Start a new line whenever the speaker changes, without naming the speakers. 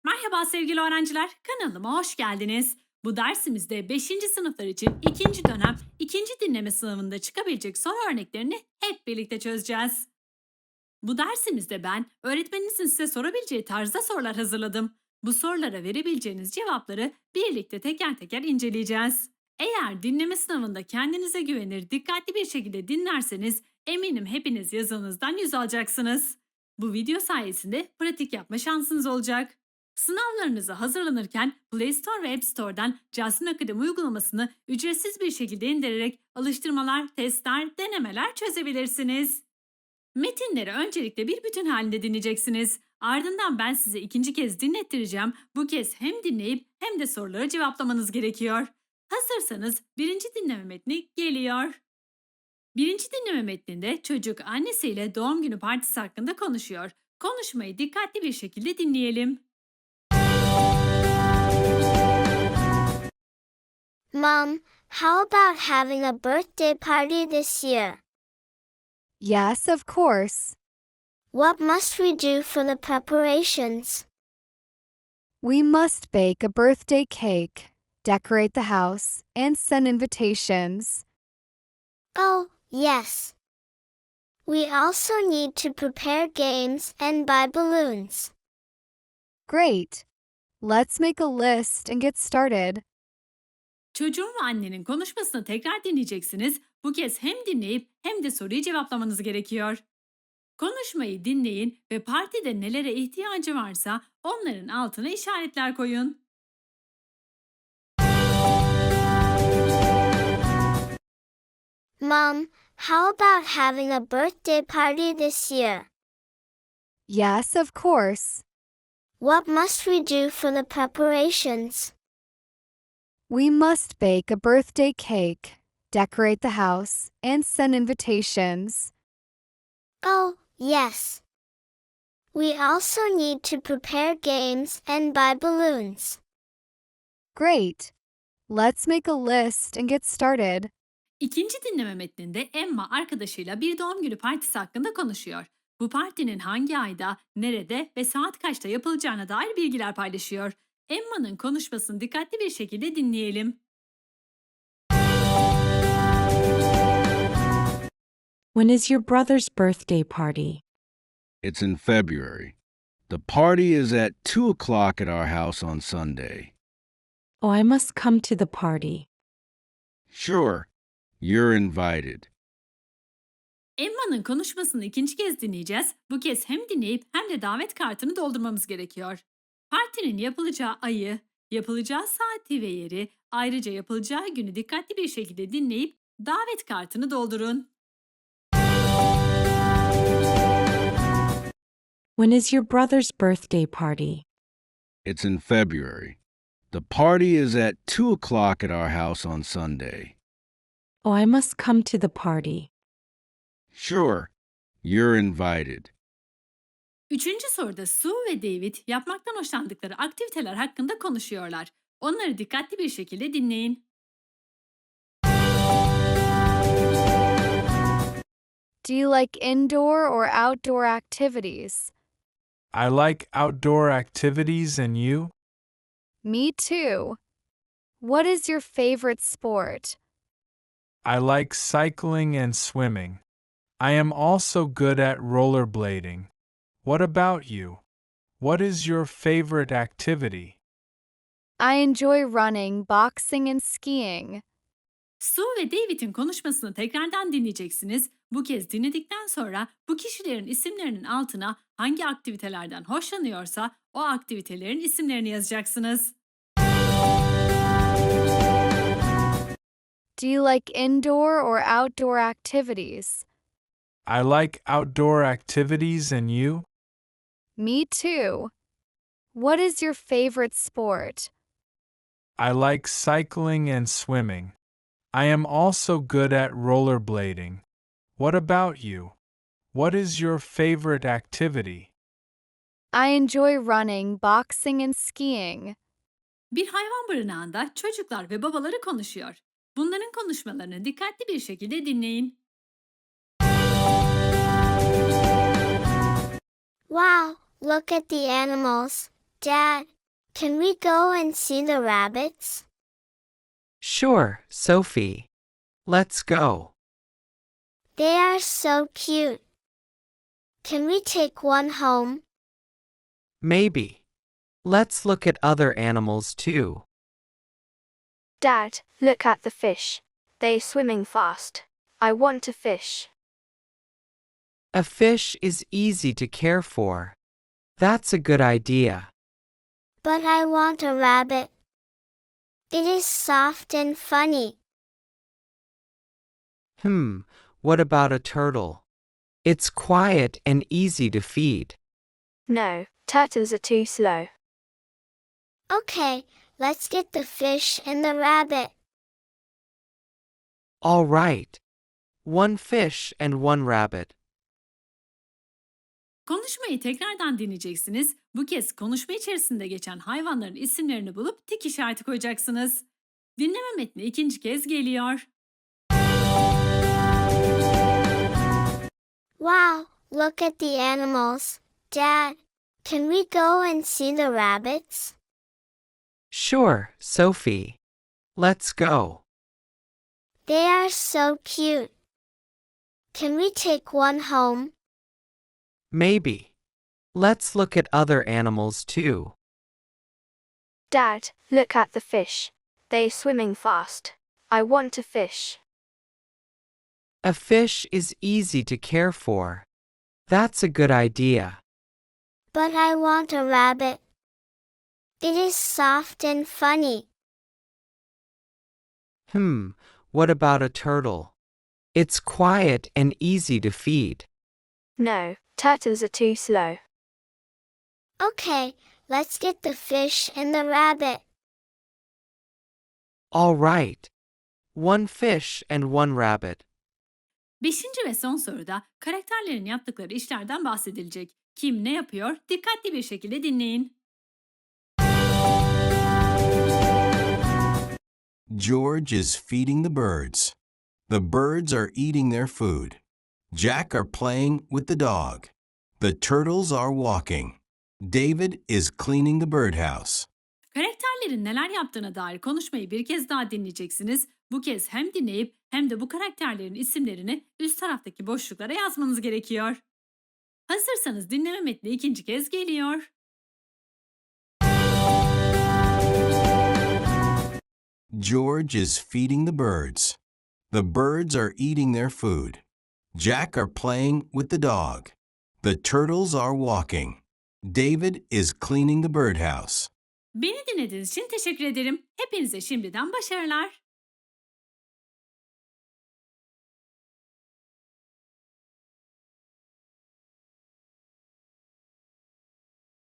Merhaba sevgili öğrenciler, kanalıma hoş geldiniz. Bu dersimizde 5. sınıflar için ikinci dönem ikinci dinleme sınavında çıkabilecek soru örneklerini hep birlikte çözeceğiz. Bu dersimizde ben öğretmeninizin size sorabileceği tarzda sorular hazırladım. Bu sorulara verebileceğiniz cevapları birlikte teker teker inceleyeceğiz. Eğer dinleme sınavında kendinize güvenir, dikkatli bir şekilde dinlerseniz eminim hepiniz yazınızdan 100 alacaksınız. Bu video sayesinde pratik yapma şansınız olacak. Sınavlarınıza hazırlanırken Play Store ve App Store'dan Jasmine Akademi uygulamasını ücretsiz bir şekilde indirerek alıştırmalar, testler, denemeler çözebilirsiniz. Metinleri öncelikle bir bütün halinde dinleyeceksiniz. Ardından ben size ikinci kez dinlettireceğim. Bu kez hem dinleyip hem de soruları cevaplamanız gerekiyor. Hazırsanız birinci dinleme metni geliyor. Birinci dinleme metninde çocuk annesiyle doğum günü partisi hakkında konuşuyor. Konuşmayı dikkatli bir şekilde dinleyelim.
Mom, how about having a birthday party this year?
Yes, of course.
What must we do for the preparations?
We must bake a birthday cake, decorate the house, and send invitations.
Oh, yes. We also need to prepare games and buy balloons.
Great. Let's make a list and get started.
Çocuğun ve annenin konuşmasını tekrar dinleyeceksiniz. Bu kez hem dinleyip hem de soruyu cevaplamanız gerekiyor. Konuşmayı dinleyin ve partide nelere ihtiyacı varsa onların altına işaretler koyun.
Mom, how about having a birthday party this year?
Yes, of course.
What must we do for the preparations?
We must bake a birthday cake, decorate the house, and send invitations.
Oh, yes. We also need to prepare games and buy balloons.
Great. Let's make a list and get started.
İkinci dinleme metninde Emma arkadaşıyla bir doğum günü partisi hakkında konuşuyor. Bu partinin hangi ayda, nerede ve saat kaçta yapılacağına dair bilgiler paylaşıyor. Emma'nın konuşmasını dikkatli bir şekilde dinleyelim.
When is your brother's birthday party?
It's in February. The party is at 2 o'clock at our house on Sunday.
Oh, I must come to the party.
Sure, you're invited.
Emma'nın konuşmasını ikinci kez dinleyeceğiz. Bu kez hem dinleyip hem de davet kartını doldurmamız gerekiyor. Partinin yapılacağı ayı, yapılacağı saati ve yeri, ayrıca yapılacağı günü dikkatli bir şekilde dinleyip davet kartını doldurun.
When is your brother's birthday party?
It's in February. The party is at 2 o'clock at our house on Sunday.
Oh, I must come to the party.
Sure, you're invited.
Üçüncü soruda Sue ve David yapmaktan hoşlandıkları aktiviteler hakkında konuşuyorlar. Onları dikkatli bir şekilde dinleyin.
Do you like indoor or outdoor activities?
I like outdoor activities, and you?
Me too. What is your favorite sport?
I like cycling and swimming. I am also good at rollerblading. What about you? What is your favorite activity?
I enjoy running, boxing, and skiing.
Sue ve David'in konuşmasını tekrardan dinleyeceksiniz. Bu kez dinledikten sonra bu kişilerin isimlerinin altına hangi aktivitelerden hoşlanıyorsa o aktivitelerin isimlerini yazacaksınız.
Do you like indoor or outdoor activities?
I like outdoor activities, and you?
Me too. What is your favorite sport?
I like cycling and swimming. I am also good at rollerblading. What about you? What is your favorite activity?
I enjoy running, boxing, and skiing.
Bir hayvan barınağında çocuklar ve babaları konuşuyor. Bunların konuşmalarını dikkatli bir şekilde dinleyin.
Wow, look at the animals. Dad, Can we go and see the rabbits?
Sure, Sophie. Let's go.
They are so cute. Can we take one home?
Maybe. Let's look at other animals too.
Dad, look at the fish. They're swimming fast. I want to fish.
A fish is easy to care for. That's a good idea.
But I want a rabbit. It is soft and funny.
What about a turtle? It's quiet and easy to feed.
No, turtles are too slow.
Okay, let's get the fish and the rabbit.
All right. One fish and one rabbit.
Konuşmayı tekrardan dinleyeceksiniz. Bu kez konuşma içerisinde geçen hayvanların isimlerini bulup tik işareti koyacaksınız. Dinleme metni ikinci kez geliyor.
Wow, look at the animals. Dad, can we go and see the rabbits?
Sure, Sophie. Let's go.
They are so cute. Can we take one home?
Maybe. Let's look at other animals too.
Dad, look at the fish. They're swimming fast. I want to fish.
A fish is easy to care for. That's a good idea.
But I want a rabbit. It is soft and funny.
What about a turtle? It's quiet and easy to feed.
No, turtles are too slow.
Okay, let's get the fish and the rabbit.
All right. One fish and one rabbit.
Beşinci ve son soruda karakterlerin yaptıkları işlerden bahsedilecek. Kim ne yapıyor? Dikkatli bir şekilde dinleyin.
George is feeding the birds. The birds are eating their food. Jack are playing with the dog. The turtles are walking. David is cleaning the birdhouse.
Karakterlerin neler yaptığına dair konuşmayı bir kez daha dinleyeceksiniz. Bu kez hem dinleyip hem de bu karakterlerin isimlerini üst taraftaki boşluklara yazmanız gerekiyor. Hazırsanız dinleme metni ikinci kez geliyor.
George is feeding the birds. The birds are eating their food. Jack are playing with the dog. The turtles are walking. David is cleaning the birdhouse.
Beni dinlediğiniz için teşekkür ederim. Hepinize şimdiden başarılar.